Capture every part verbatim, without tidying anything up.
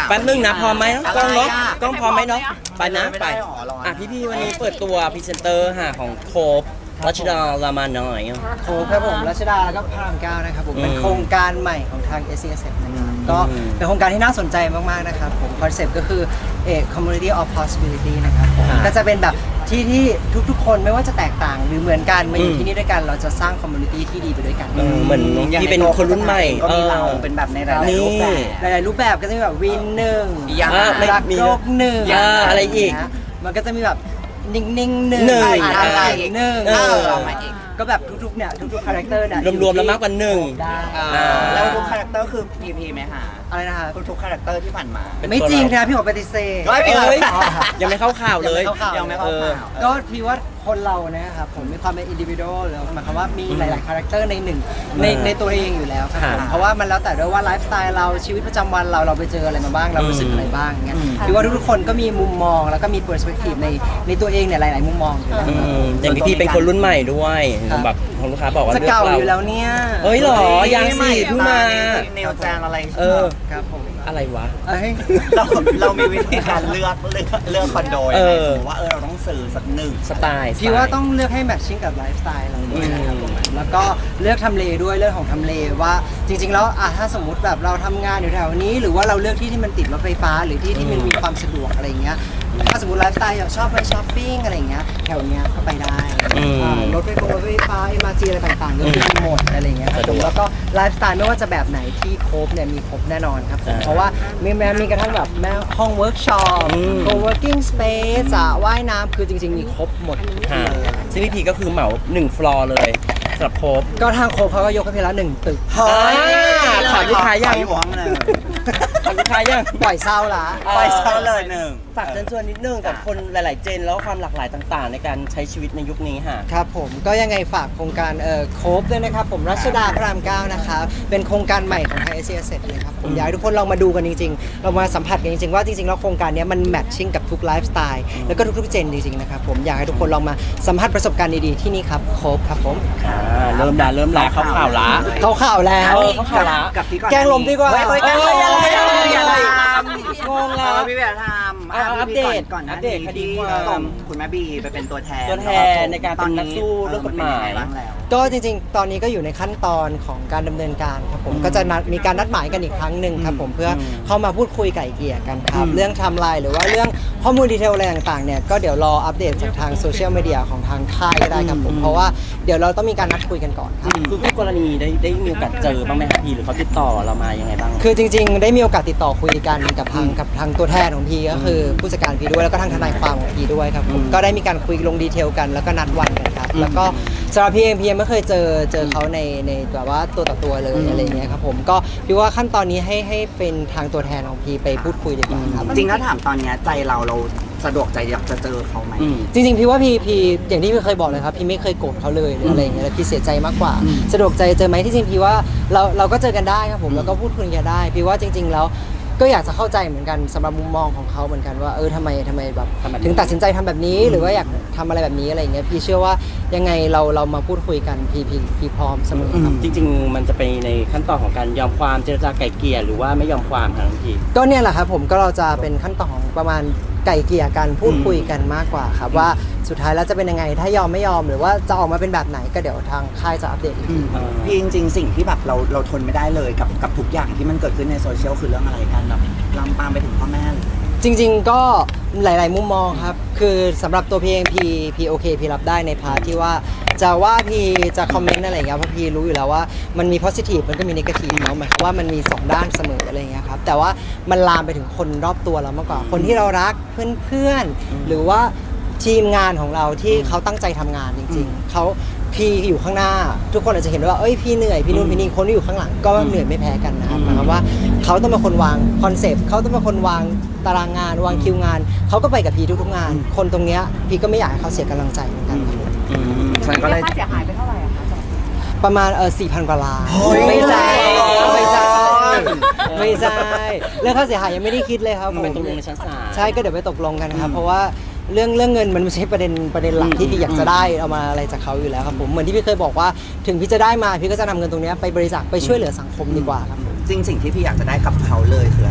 แป๊บนึงนะพร้อมไหมน้องกล้องเนาะกล้องพร้อมไหมเนาะไปนะไปอ่ะพี่พี่วันนี้เปิดตัวพรีเซนเตอร์ค่ะของโคบรัชดารามาหน่อยโคครับผมรัชดาแล้วก็พระรามเก้านะครับผมเป็นโครงการใหม่ของทาง เอส ซี เอส นะครับก็เป็นโครงการที่น่าสนใจมากๆนะครับผมคอนเซ็ปต์ก็คือเอ่อ community of possibility นะครับผมก็จะเป็นแบบที่ที่ทุกๆคนไม่ว่าจะแตกต่างหรือเหมือนกันมาอยู่ที่นี่ด้วยกันเราจะสร้าง community ที่ดีไปด้วยกันเหมือนที่เป็นคนรุ่นใหม่ก็มีเราเป็นแบบในหลายๆรูปแบบหลายๆรูปแบบก็จะมีแบบวินหนึ่งรักโลกหนึ่งอะไรอีกมันก็จะมีแบบนิ่งๆหนึ่งอะไรหนึ่งก็แบบทุกๆเนี่ยทุกๆคาแรคเตอร์เนี่ยรวมๆแล้วมากกว่าหนึ่งแล้วทุกคาแรคเตอร์คือ พี พี ไหมคะอะไรนะคะทุกคาแรคเตอร์ที่ผ่านมาไม่จริงนะพี่ขอปฏิเสธยังไม่เข้าข่าวเลยยังไม่เข้าข่าวก็พี่ว่าคนเรานะครับผมมีความเป็นอินดิวิโดแล้วหมายความว่ามีหลายๆคาแรคเตอร์ในหนึ่งในในตัวเองอยู่แล้วครับผมเพราะว่ามันแล้วแต่ด้วยว่าไลฟ์สไตล์เราชีวิตประจำวันเราเราไปเจออะไรมาบ้างเรารู้สึกอะไรบ้างเงี้ยพี่ว่าทุกๆคนก็มีมุมมองแล้วก็มีเปอร์สเปกทีฟในในตัวเองเนี่ยหลายๆมุมมองอย่างพี่เป็นคนรุ่นใหม่ด้วยแบบของลูกค้าบอกว่าจะเก่าอยู่แล้วเนี่ยเฮ้ยหรอยังสิเพิ่งมาแนวแจงอะไรเออครับผมอะไรวะเราเรามีวิธีการเลือกเลือกเลือกคอนโดยังไงว่าเออเราต้องสื่อสักหนึ่งสไตล์พี่ว่าต้องเลือกให้แมทชิ่งกับไลฟ์สไตล์เราด้วยนะครับแล้วก็เลือกทำเลด้วยเรื่องของทำเลว่าจริงๆแล้วอ่ะถ้าสมมุติแบบเราทำงานอยู่แถวนี้หรือว่าเราเลือกที่ที่มันติดรถไฟฟ้าหรือที่ที่มันมีความสะดวกอะไรเงี้ยถ้าสมมติไลฟ์สไตล์อยากชอบไปช้อปปิ้งอะไรเงี้ยแถวเนี้ยก็ไปได้รถไฟฟ้ารถไฟฟ้า เอ็ม อาร์ ที อะไรต่างๆก็มีหมดอะไรเงี้ยครับแล้วก็ไลฟ์สไตล์ไม่ว่าจะแบบไหนที่ครบเนี่ยมีครบแน่นอนครับเพราะว่ามีแม้มีกระทั่งแบบแม้ห้องเวิร์กช็อป co-working space สระว่ายน้ำคือจริงๆมีครบหมดซึ่งพี่พีก็คือเหมาหนึ่งฟลอร์เลยสำหรับโคบก็ทางโคบเขาก็ยกให้พี่แล้วหนึ่งตึกถามลูกค้ายังถามลูกค้ายังปล่อยเศร้าละปล่อยเศร้าเลยหนึ่งฝากเชิญชวนนิดนึงกับคนหลายๆเจนแล้วความหลากหลายต่างๆในการใช้ชีวิตในยุคนี้ค่ะครับผมก็ยังไงฝากโครงการเอ่อโคบด้วยนะครับผมรัชดาพระรามเก้านะครับเป็นโครงการใหม่ของไทย เอส ซี เอส เลยครับผมอยากให้ทุกคนลองมาดูกันจริงๆเรามาสัมผัสกันจริงๆว่าจริงๆแล้วโครงการนี้มันแมทชิ่งกับทุกไลฟ์สไตล์แล้วก็ทุกๆเจนจริงๆนะครับผมอยากให้ทุกคนลองมาสัมผัสประสบการณ์ดีๆที่นี่ครับโคบครับผมเริ่มแล้วเริ่มแล้วเข้าข่าวละเข้าข่าวแล้วเข้าข่าวละกับพี่ก่อนแกงลมดีกว่าแกงลมอะไรอะไรงงแล้วพี่แบบทำอัปเดตก่อนอัปเดตคดีส่งคุณแม่บีไปเป็นตัวแทนตัวแทนในการเป็นนักสู้เรื่องกฎหมายก็จริงๆตอนนี้ก็อยู่ในขั้นตอนของการดำเนินการครับผมก็จะนัดมีการนัดหมายกันอีกครั้งหนึ่งครับผมเพื่อเข้ามาพูดคุยไก่เกลี่ยกันครับเรื่องไทม์ไลน์หรือว่าเรื่องข้อมูลดีเทลอะไรต่างๆเนี่ยก็เดี๋ยวรออัปเดตจากทางโซเชียลมีเดียของทางค่ายก็ได้ครับผมเพราะว่าเดี๋ยวเราต้องมีการนัดคุยกันก่อนครับคือคู่กรณีได้ได้มีโอกาสเจอบ้างไหมครับพี่หรือเขาติดต่อเรามายังไงบ้างคือจริงๆได้มีโอกาสติดต่อคุยกันกับทางกับทางตัวแทนของพี่ก็คือผู้จัดการพี่ด้วยแล้วก็ทางทนายความของพี่ด้วยครับผมก็ได้มีการคุยลงดีเทลกันแล้วก็นัดวันกันครับแล้วก็สำหรับพี่เองพี่ยังไม่เคยเจอเจอเขาในในแบบว่าตัวต่อตัวเลยอะไรเงี้ยครับผมก็พี่ว่าขั้นตอนนี้ให้ให้เป็นทางตัวแทนของพี่ไปพูดคุยดีกว่าครับจริงถ้าถามตอนนี้ใจเราเราสะดวกใจอยากจะเจอเขาไหมจริงๆพี่ว่าพี่พี่อย่างที่พี่เคยบอกเลยครับพี่ไม่เคยโกรธเขาเลยหรืออะไรอย่างเงี้ยพี่เสียใจมากกว่าสะดวกใจเจอไหมที่จริงพี่ว่าเราเราก็เจอกันได้ครับผมแล้วก็พูดคุยกันได้พี่ว่าจริงๆแล้วก็อยากจะเข้าใจเหมือนกันสำหรับมุมมองของเขาเหมือนกันว่าเออทำไมทำไมแบบถึงตัดสินใจทำแบบนี้หรือว่าอยากทำอะไรแบบนี้อะไรอย่างเงี้ยพี่เชื่อว่ายังไงเราเรามาพูดคุยกันพี่พี่พี่พร้อมเสมอครับจริงๆมันจะไปในขั้นตอนของการยอมความเจรจาไกล่เกลี่ยหรือว่าไม่ยอมความทางพี่ก็เนี่ยแหละครับผมก็เราจะเป็นขั้นตอนของประมาณไกล่เกลี่ยกันพูดคุยกันมากกว่าครับว่าสุดท้ายแล้วจะเป็นยังไงถ้ายอมไม่ยอมหรือว่าจะออกมาเป็นแบบไหนก็เดี๋ยวทางค่ายจะอัปเดตอีกทีพี่จริงๆสิ่งที่แบบเราเราทนไม่ได้เลยกับกับทุกอย่างที่มันเกิดขึ้นในโซเชียลคือเรื่องอะไรกันแบบลามปามไปถึงพ่อแม่เลยจริงๆก็หลายๆมุมมองครับคือสำหรับตัวพี่เองพี่พี่โอเคพี่รับได้ในพาร์ทที่ว่าจะว่าพี่จะคอมเมนต์อะไรอย่างเงี้ยเพราะพี่รู้อยู่แล้วว่ามันมี positive มันก็มี negative เนาะหมายความว่ามันมีสองด้านเสมออะไรอย่างเงี้ยครับแต่ว่ามันลามไปถึงคนรอบตัวเรามากกว่าคนที่เรารักเพื่อนๆหรือว่าทีมงานของเราที่เขาตั้งใจทำงานจริงๆเขาพี่อยู่ข้างหน้าทุกคนอาจจะเห็นว่าเอ้ยพี่เหนื่อยพี่นู่นพี่นี่คนที่อยู่ข้างหลังก็เหนื่อยไม่แพ้กันนะครับหมายความว่าเขาต้องเป็นคนวางคอนเซปต์เขาต้องเป็นคนวางตารางงานวางคิวงานเขาก็ไปกับพี่ทุกๆงานคนตรงเนี้ยพี่ก็ไม่อยากให้เขาเสียกำลังใจเหมือนกันครับฉันก็เลยค่าเสียหายไปเท่าไหร่อะคะประมาณเออสี่พันกว่าล้านไม่ใช่ไม่ใช่ไม่ใช่เรื่องค่าเสียหายยังไม่ได้คิดเลยครับไปตกลงในชั้นศาลใช่ก็เดี๋ยวไปตกลงกันครับเพราะว่าเรื่องเรื่องเงินมันไม่ใช่ประเด็นประเด็นหลักที่พี่อยากจะได้เอามาอะไรจากเขาอยู่แล้วครับผมเหมือนที่พี่เคยบอกว่าถึงพี่จะได้มาพี่ก็จะนำเงินตรงนี้ไปบริจาคไปช่วยเหลือสังคมดีกว่าครับจริงสิ่งที่พี่อยากจะได้กับเขาเลยคืออะไรทำ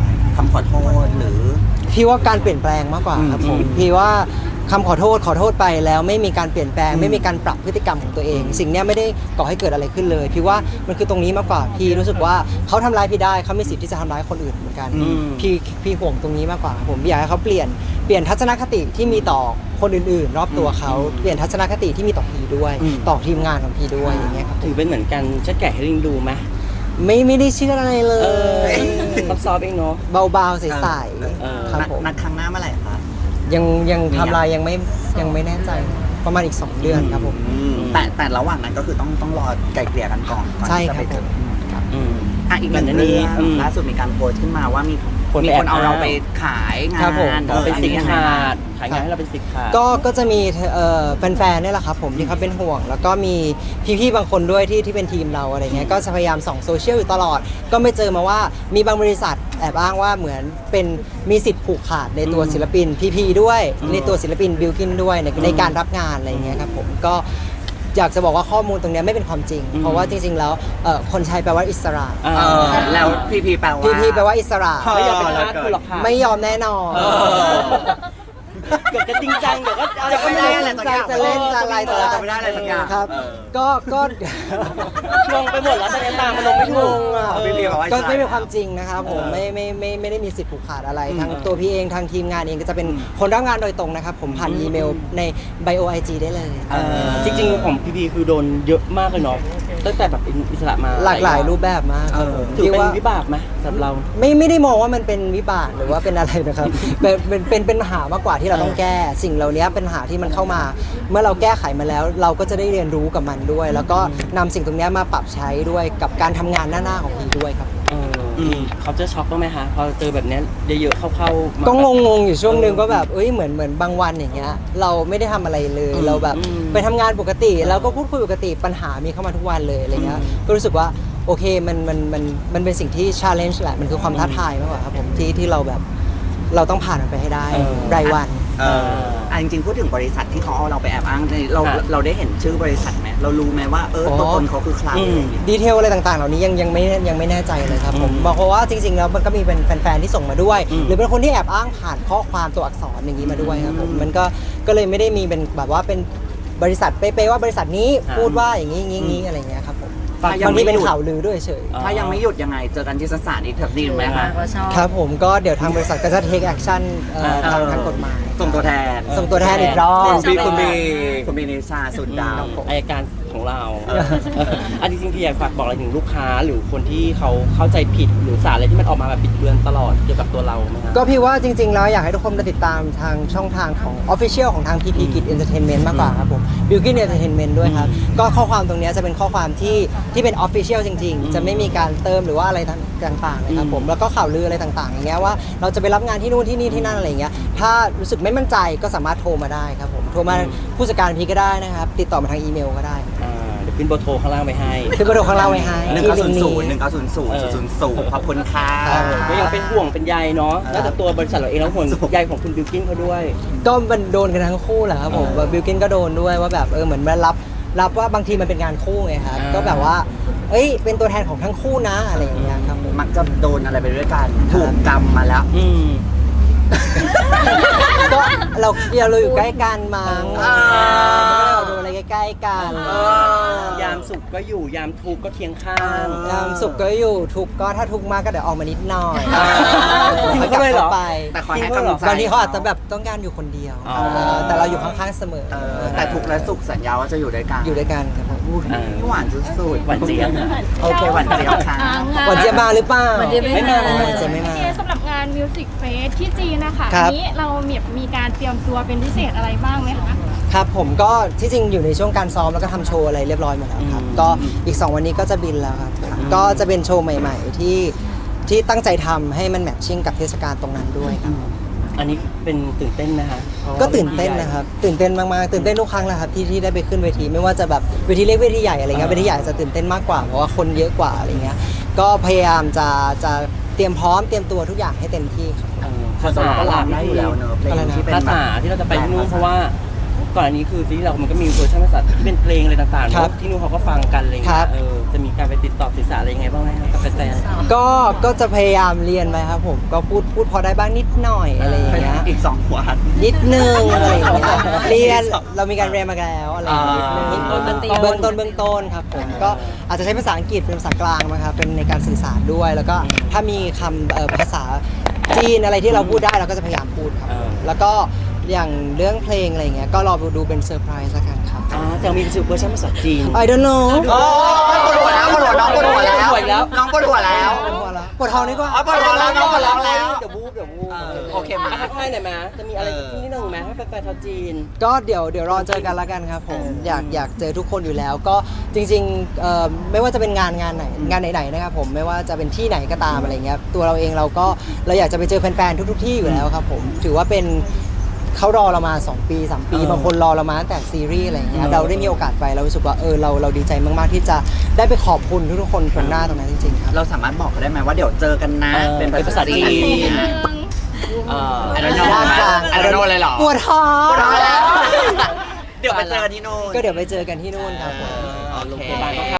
ำขอโทษหรือพี่ว่าการเปลี่ยนแปลงมากกว่าครับผมอืมพี่ว่าคำขอโทษขอโทษไปแล้วไม่มีการเปลี่ยนแปลงอืมไม่มีการปรับพฤติกรรมของตัวเอง สิ่งเนี้ยไม่ได้ก่อให้เกิดอะไรขึ้นเลย พี่ว่ามันคือตรงนี้มากกว่าพี่รู้สึกว่าเขาทำร้ายพี่ได้เขามีสิทธิ์ที่จะทำร้ายคนอื่นเหมือนกันอืมพี่พี่ห่วงตรงนี้มากกว่าครับผมพี่อยากให้เขาเปลี่ยนเปลี่ยนทัศนคติที่มีต่อคนอื่นๆ รอบตัวเขาเปลี่ยนทัศนคติที่มีต่อพี่ด้วยอืมต่อทีมงานของพี่ด้วยอย่างเงี้ยครับถือเป็นเหมือนกันชัดแก่ให้ลิงดูไหมไม่ไม่ได้เชื่ออะไรเลเออย ซอฟๆเองเนาะเบาๆใสเออๆครับนัดผมนัดครั้งหน้าเมื่อไหร่คะยังยังมียังทำลายยังไม่ยังไม่แน่ใจประมาณอีก สอง เดือนครับผมแต่แต่ระหว่างนั้นก็คือต้องต้องรอไกลเกลี่ยกันก่อนก่อนใช่ที่จะครับไปเจอผมอืมอ่ะอีกหนึ่งก่อนหน้าเรื่นี้องอืมล่าสุดมีการโพสต์ขึ้นมาว่ามีคนมีไปคนเอาแอบอ้างเราไปขายงาครับผมนเราเป็นอัสิทยังธิ์ไงขาบ้างดขายงานให้เราเป็นสิทธิ์ขาดก็ก็จะมีเอ่อแฟนๆเนี่ยแหละครับผมที่เขาเป็นห่วง แล้วก็มีพี่ๆบางคนด้วยที่ที่เป็นทีมเราอะไรเงี้ยก็จะพยายามส่องโซเชียลอยู่ตลอด ก็ไม่เจอมาว่ามีบางบริษัทแอบอ้างว่าเหมือนเป็นมีสิทธิ์ผูกขาดในตัวอืมศิลปินพีๆด้วยอืมในตัวศิลปินบิลกินด้วยในอืมในการรับงานอะไรเงี้ยครับผมก็อยากจะบอกว่าข้อมูลตรงเนี้ยไม่เป็นความจริงอืมเพราะว่าจริงๆแล้วเอ่อคนใช้แปลว่าอิสระอ่าเออแล้วพีพีแปลว่าพีๆแปลว่าอิสระไม่อยากเป็นทาสคุณหรอกค่ะไม่ยอมแน่นอนเออเกือบจะจริงจังเดี๋ยวก็จะไม่ได้อะอะไร ไรสักอย่างจะเล่นจะอะไรเออจะไม่ได้อะไรสักอย่างครับเออก็ก็งงไปหมดแล้วตอนนี้ตามมันลงไม่ถูกงงอ่ะเออพี่เรียกว่าก็ไม่เป็นความจริงนะครับผมเออไม่ไม่ไม่ไม่ได้มีสิทธิ์ผูกขาดอะไรอืมทั้งตัวพี่เองทางทีมงานเองก็จะเป็นอืมคนรับงานโดยตรงนะครับ ผมผ่านอืมอีเมลในไบโอไอจีได้เลยเออจริงๆของพีพีคือโดนเยอะมากเลยเนาะตั้งแต่แบบอิสระมาหลากหลายรูปแบบมากครับผมถือที่เป็นว่าวิบากไหมสำหรับเราไม่ไม่ได้มองว่ามันเป็นวิบากหรือว่าเป็นอะไรนะครับ เป็นเป็นเป็นเป็นปัญหามากกว่าที่เราต้องแก้ สิ่งเหล่านี้เป็นปัญหาที่มันเข้ามา เมื่อเราแก้ไขมาแล้ว เราก็จะได้เรียนรู้กับมันด้วย แล้วก็นำสิ่งตรงนี้มาปรับใช้ด้วยกับการทำงานหน้าๆของพีด้วยครับเอออเขาจะช็อกบ้างไหมคะพอเจอแบบเนี้ยเยอะๆเข้าๆมาก็งงๆอยู่ช่วงหนึ่งก็แบบเอ้ยเหมือนเหมือนบางวันอย่างเงี้ยเราไม่ได้ทำอะไรเลยอืมเราแบบอืมไปทำงานปกติแล้วก็พูดคุยปกติปัญหามีเข้ามาทุกวันเลยอะไรเงี้ยอืมก็รู้สึกว่าโอเคมันมันมันมันเป็นสิ่งที่ challenge แหละมันคือความท้าทายมากกว่าครับผมที่ที่เราแบบเราต้องผ่านมันไปให้ได้เออรายวันเอออ่ะจริงๆพูดถึงบริษัทที่เขาเอาเราไปแอบอ้างเนี่ยเราค่ะเราได้เห็นชื่อบริษัทไหมเรารู้ไหมว่าเอออ๋อตัวตนเขาคือใครอืมดีเทลอะไรต่างๆ เหล่านี้ยังยังไม่ยังไม่แน่ใจเลยครับผมอืมบอกเพราะว่าจริง ๆ แล้วมันก็มีเป็นแฟนๆที่ส่งมาด้วยอืมหรือเป็นคนที่แอบอ้างผ่านข้อความตัวอักษรอย่างนี้มาด้วยครับผมอืมมันก็ก็เลยไม่ได้มีเป็นแบบว่าเป็นบริษัทเป๊ะๆว่าบริษัทนี้อ่าพูดว่าอย่างนี้อย่างนี้อย่างนี้อะไรเงี้ยครับผมถ้ายังบางไม่ทีเป็นหยุดข่าวลือด้วยเฉยอ๋อถ้ายังไม่หยุดยังไงเจอกันที่ศาลอีกเถอะดีไหมคะครับผมก็เดี๋ยวทางบริษัทก็จะ take action เอ่ออ่าทางทางกฎหมายส่งตัวแทนส่งตัวแทนอีกรอบคุณบีคุณบีคุณบีนิชาสุดดาวอายการของเราอันจริงๆพี่อยากฝากบอกอะไรถึงลูกค้าหรือคนที่เขาเข้าใจผิดหรือสารอะไรที่มันออกมาแบบบิดเบือนตลอดเกี่ยวกับตัวเราไหมครับก็พี่ว่าจริงๆ แล้วอยากให้ทุกคนมาติดตามทางช่องทางของ Official ของทาง พี พี Kid Entertainment มากกว่าครับผม Bilkin Entertainment ด้วยครับ ก็ข้อความตรงเนี้ยจะเป็นข้อความที่ที่เป็น Official จริงอืมๆ จะไม่มีการเติมหรือว่าอะไรต่างๆนะครับผมอืมแล้วก็ข่าวลืออะไรต่างๆ อย่างเงี้ยว่าเราจะไปรับงานที่นู่นที่นี่ที่นั่นอะไรอย่างเงี้ยถ้ารู้สึกไม่มั่นใจก็สามารถโทรมาได้ครับผมโทรมาผู้จัดการพีก็ได้นะครับติดต่อมาทางอีเมลก็ได้อ่าเดี๋ยวขึ้นเบอร์โทรข้างล่างไปให้คือประโดข้างล่างไว้ให้หนึ่งที่เก้าลิศูงนย์ก์ศูนย์หนี้นึ่งเก้าศูนย์ศูนย์ศูนย์ศูนย์ขอบคุณค่ะครับก็ยังเป็นห่วงเป็นใยเนาะนอกจากตัวบริษัทเราเองแล้วห่วงใยของคุณบิวกิ้นเขาด้วยก็มันโดนกันทั้งคู่แหละครับผมเออบิลกินก็โดนด้วยว่าแบบเออเหมือนมารับรับว่าบางทีมันเป็นงานคู่ไงครับอ่าก็แบบว่า เอ้ยเป็นตัวแทนของทั้งคู่นะอะไรอย่างเงี้ยครับผมมักจะโดนอะไรไปด้วยกันถูกกรรมมาแล้วอืมก็เราเราอยู่ใกล้กันมั้งอ่าเราโดนอะไรใกล้ๆกันเออยามสุขก็อยู่ยามทุกข์ก็เคียงข้างยามสุขก็อยู่ทุกข์ก็ถ้าทุกข์มากก็เดี๋ยวออกมานิดหน่อยอ่าค่อยกลับจริงเลยเหรอเข้าไปแต่คอยให้กำลังใจบางทีเขาอาจจะแบบต้องการอยู่คนเดียวอ๋อเออแต่เราอยู่ข้างๆเสมอเออแต่ถูกและสุขสัญญาว่าจะอยู่ด้วยกันอยู่ด้วยกันครับผมอุ๊ยอ่าหวานสุดๆหวานเจี๊ยบโอเคหวานเจี๊ยบค่ะวันเจียบมาหรือเปล่าวันเจี๊ยบไม่มาวันเจียบไม่มาพี่เอสำหรับงานมิวสิกเฟสที่จีนนะคะครัอับนี้เรามีมีการเตรียมตัวเป็นพิเศษอะไรบ้างไหมคะครับผมก็ที่จริงอยู่ในช่วงการซ้อมแล้วก็ทำโชว์อะไรเรียบร้อยหมดแล้วครับอืมก็อีก สอง วันนี้ก็จะบินแล้วครับ ก็จะเป็นโชว์ใหม่ ๆ ที่ที่ตั้งใจทำให้มันแมทชิ่งกับเทศกาลตรงนั้นด้วยครับอันนี้เป็นตื่นเต้นนะคะพราะว่าก็ตื่นเต้นนะครับ ตื่นเต้นมากๆตื่นเต้นทุกครั้งแหละครับที่ที่ได้ไปขึ้นเวที ไม่ว่าจะแบบเวทีเล็กเวทีใหญ่อะไรเงี้ยอ่าเวทีใหญ่จะตื่นเต้นมากกว่าเพราะว่าคนเยอะกว่าอะไรเงี้ยก็พยายามจะจะเตรียมพร้อมเตรียมตัวทุกอย่างให้เต็มที่ครับเออภาภาษาษาก็หหลัลักกได้อยู่แล้วเนอะเพลงที่เป็นภาแบบษาที่เราจะไปที่นู่นเพราะว่าก่อนอันนี้คือซีรีส์เรามันก็มีเวอร์ชันภาษาที่เป็นเพลงอะไรต่างๆครับเนอะที่นู่นเขาก็ฟังกันอะไรอย่างครัเงี้บยเออจะมีการไปติดต่อสื่อสารอะไรยังไงบ้างไหมครับกับแฟนก็ก็จะพยายามเรียนไปครับผมก็พูดพูดพอได้บ้างนิดหน่อยอะไรอย่างเงี้ยอีกสองหัวหันนิดนึงอะไรอย่างเงี้ยเรียนเรามีการเรียนมาแล้วอะไรอย่างเงี้ยนิดนึงอ่าเบื้องต้นเบื้องต้นครับผมก็อาจจะใช้ภาษาอังกฤษเป็นภาษากลางนะครับเป็นในการสื่อสารด้วย แล้วก็ถ้ามีคำเอ่อภาษาจีนอะไรที่เราพูดได้เราก็จะพยายามพูดครับเออแล้วก็อย่างเรื่องเพลงอะไรอย่างเงี้ยก็รอดูเป็นเซอร์ไพรส์ละกันครับๆอ๋อแต่มีเวอร์ชันภาษาจีน I don't know โอ้ปวดหัวแล้วปวดหัวน้องปวดหัวแล้วปวดหัวแล้วน้องปวดหัวแล้วปวดหัวแล้วปวดท้องดีกว่าอ๋อปวดหัวแล้วน้องปวดท้องแล้วเดี๋ยวบู๊เดี๋ยวบู๊เออโอเคไหมทักทายหน่อยไหมจะมีอะไรสักนิดนึงไหมให้แฟนๆชาวจีนก็เดี๋ยวเดี๋ยวรอเจอกันละกันครับผมอยากอยากเจอทุกคนอยู่แล้ว ก็จริงๆเอ่อไม่ว่าจะเป็นงานงานไหนงานไหนๆนะครับผมไม่ว่าจะเป็นที่ไหนก็ตามอะไรเงี้ยตัวเราเองเราก็เราอยากจะไปเจอแฟนๆทุกๆที่อยู่แล้วครับผมถือว่าเป็นเขารอเรามาสองปีสามปีเออบางคนรอเรามาตั้งแต่ซีรีส์อะไรเงี้ยเออเราได้มีโอกาสไปเรารู้สึกว่าเออเราเราดีใจมากๆที่จะได้ไปขอบคุณทุกๆคนตรงหน้าตรงนั้นจริงๆครับเราสามารถบอกเขาได้ไหมว่าเดี๋ยวเจอกันนะเออเป็นภาษาจีน เอ่อไอ้น้องด้านกลางไอ้น้องเลยเหรอปวดท้องปวดท้องแล้ว เดี๋ยวไปเจอกันที่โน่นก็เดี๋ยวไปเจอกันที่นู่นครับผมโอเคโรงพยาบาลก็